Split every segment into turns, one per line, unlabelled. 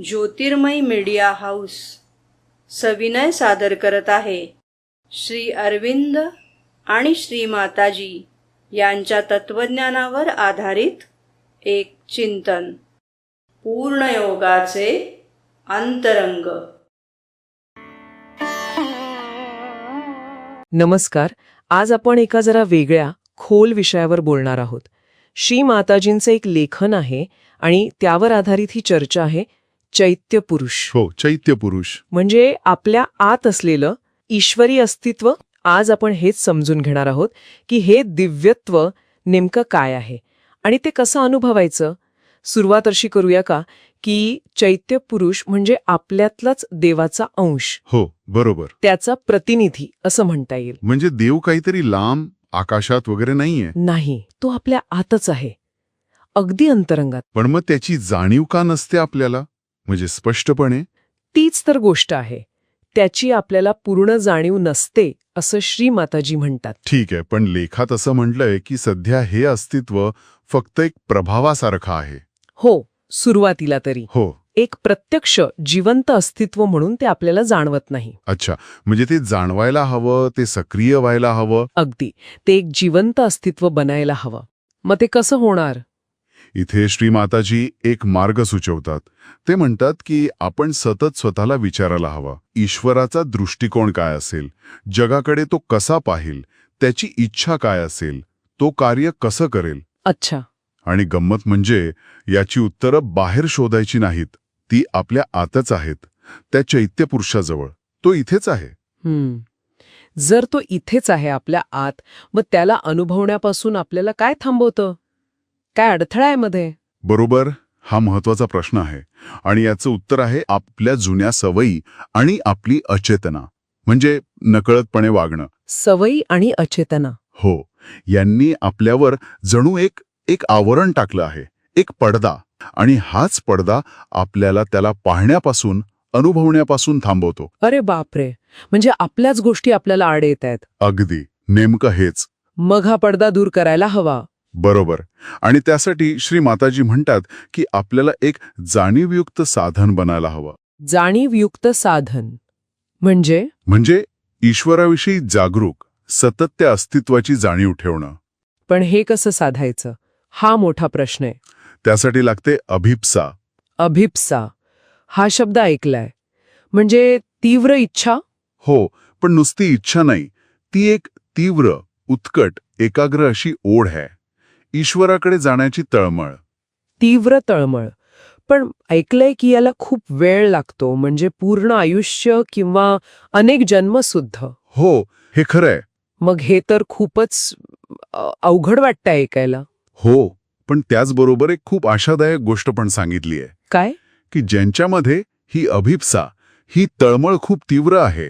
ज्योतिर्मय media house सविनय सादर करत आहे श्री अरविंद आणि श्री माताजी यांच्या तत्वज्ञानावर आधारित एक चिंतन, पूर्णयोगाचे अंतरंग.
नमस्कार. आज आपण एका जरा वेगळ्या खोल विषयावर बोलणार आहोत. श्री माताजींचं एक लेखन आहे आणि त्यावर आधारित ही चर्चा आहे. चैत्य पुरुष.
हो, चैत्य पुरुष
म्हणजे आपल्या आत असलेलं ईश्वरी अस्तित्व. आज आपण हेच समजून घेणार आहोत की हे दिव्यत्व नेमकं काय आहे आणि ते कसं अनुभवायचं. सुरुवात अशी करूया का की चैत्य पुरुष म्हणजे आपल्यातलाच देवाचा अंश.
हो, बरोबर.
त्याचा प्रतिनिधी असं म्हणता येईल.
म्हणजे देव काहीतरी लांब आकाशात वगैरे नाहीये.
नाही, तो आपल्या आतच आहे, अगदी अंतरंगात.
पण मग त्याची जाणीव का नसते आपल्याला, म्हणजे स्पष्टपणे?
तीच तर गोष्ट आहे. त्याची आपल्याला पूर्ण जाणीव नसते असं श्री माताजी म्हणतात.
ठीक आहे, पण लेखात असं म्हटलंय की सध्या हे अस्तित्व फक्त एक प्रभावासारखं आहे.
हो, सुरुवातीला तरी.
हो.
एक प्रत्यक्ष जिवंत अस्तित्व म्हणून ते आपल्याला जाणवत नाही.
अच्छा, म्हणजे ते जाणवायला हवं, ते सक्रिय व्हायला हवं.
अगदी, ते एक जिवंत अस्तित्व बनायला हवं. मग ते कसं होणार?
इथे श्री माताजी एक मार्ग सुचवतात. ते म्हणतात की आपण सतत स्वतःला विचारायला हवा, ईश्वराचा दृष्टिकोन काय असेल, जगाकडे तो कसा पाहिल, त्याची इच्छा काय असेल, तो कार्य कसं करेल.
अच्छा.
आणि गंमत म्हणजे याची उत्तरं बाहेर शोधायची नाहीत, ती आपल्या आतच आहेत, त्या चैत्य पुरुषाजवळ. तो इथेच आहे.
जर तो इथेच आहे आपल्या आत, मग त्याला अनुभवण्यापासून आपल्याला काय थांबवतं? काय अडथळा आहे मध्ये?
बरोबर, हा महत्वाचा प्रश्न आहे. आणि याचं उत्तर आहे आपल्या जुन्या सवयी आणि आपली अचेतना, म्हणजे नकळतपणे वागणं.
सवयी आणि अचेतना.
हो, यांनी आपल्यावर जणू एक आवरण टाकलं आहे, एक पडदा. आणि हाच पडदा आपल्याला त्याला पाहण्यापासून, अनुभवण्यापासून थांबवतो.
अरे बापरे, म्हणजे आपल्याच गोष्टी आपल्याला आड येत आहेत.
अगदी, नेमकं हेच.
मग हा पडदा दूर करायला हवा.
बरोबर. आणि त्यासाठी श्री माताजी म्हणतात की आपल्याला एक जाणीवयुक्त साधन बनायला हवं.
जाणीवयुक्त साधन म्हणजे
ईश्वराविषयी जागरूक, सतत त्या अस्तित्वाची जाणीव ठेवणं.
पण हे कसं साधायचं, हा मोठा प्रश्न आहे.
त्यासाठी लागते अभिप्सा.
अभिप्सा हा शब्द ऐकलाय, म्हणजे तीव्र इच्छा.
हो, पण नुसती इच्छा नाही, ती एक तीव्र, उत्कट, एकाग्र अशी ओढ आहे. ईश्वराकडे जाण्याची तळमळ.
तीव्र तळमळ. पण ऐकलंय की याला खूप वेळ लागतो, म्हणजे पूर्ण आयुष्य किंवा अनेक जन्म सुद्धा.
हो, हे खरंय.
मग हे तर खूपच अवघड वाटतंय ऐकायला.
हो, पण त्याचबरोबर एक खूप आशादायक गोष्ट पण सांगितली आहे.
काय?
की ज्यांच्यामध्ये ही अभिप्सा, ही तळमळ खूप तीव्र आहे,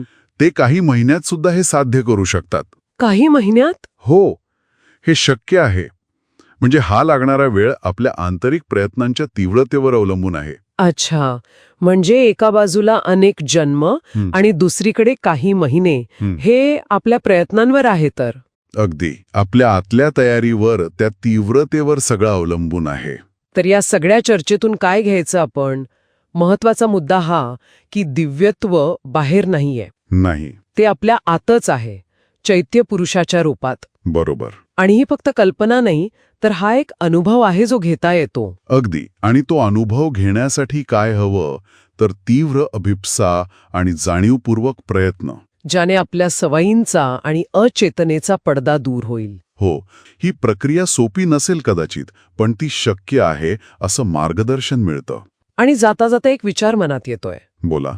ते काही महिन्यात सुद्धा हे साध्य करू शकतात.
काही महिन्यात?
हो, हे शक्य आहे. म्हणजे हा लागणारा वेळ आपल्या आंतरिक प्रयत्नांच्या तीव्रतेवर अवलंबून आहे.
अच्छा, म्हणजे एका बाजूला अनेक जन्म आणि दुसरीकडे काही महिने, हे आपल्या प्रयत्नांवर आहे. तर
अगदी आपल्या आतल्या तयारीवर, त्या तीव्रतेवर सगळं अवलंबून आहे.
तर या सगळ्या चर्चेतून काय घ्यायचं आपण? महत्वाचा मुद्दा हा की दिव्यत्व बाहेर नाहीये.
नाही,
ते आपल्या आतच आहे, चैत्य पुरुषाच्या रूपात.
बरोबर.
आणि ही फक्त कल्पना नाही, तर हा एक अनुभव आहे जो घेता येतो.
अगदी. आणि तो अनुभव घेण्यासाठी काय हवं, तर तीव्र अभिप्सा आणि जाणीवपूर्वक प्रयत्न,
ज्याने आपल्या सवयींचा आणि अचेतनेचा पडदा दूर होईल.
हो, ही प्रक्रिया सोपी नसेल कदाचित, पण ती शक्य आहे असं मार्गदर्शन मिळतं.
आणि जाता जाता एक विचार मनात येतोय.
बोला.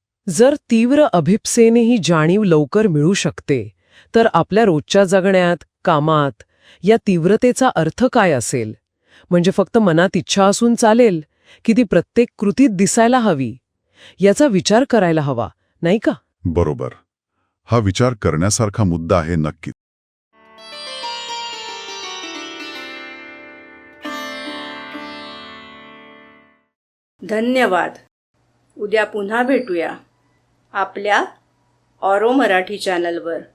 जर तीव्र अभिप्सेने ही जाणीव लवकर मिळू शकते, तर आपल्या रोजच्या जगण्यात, कामात या तीव्रतेचा अर्थ काय असेल? म्हणजे फक्त मनात इच्छा असून चालेल की ती प्रत्येक कृतीत दिसायला हवी? याचा विचार करायला हवा, नाही का?
बरोबर. हा विचार करण्यासारखा मुद्दा आहे नक्कीच.
धन्यवाद. उद्या पुन्हा भेटूया आपल्या ऑरो मराठी चॅनलवर.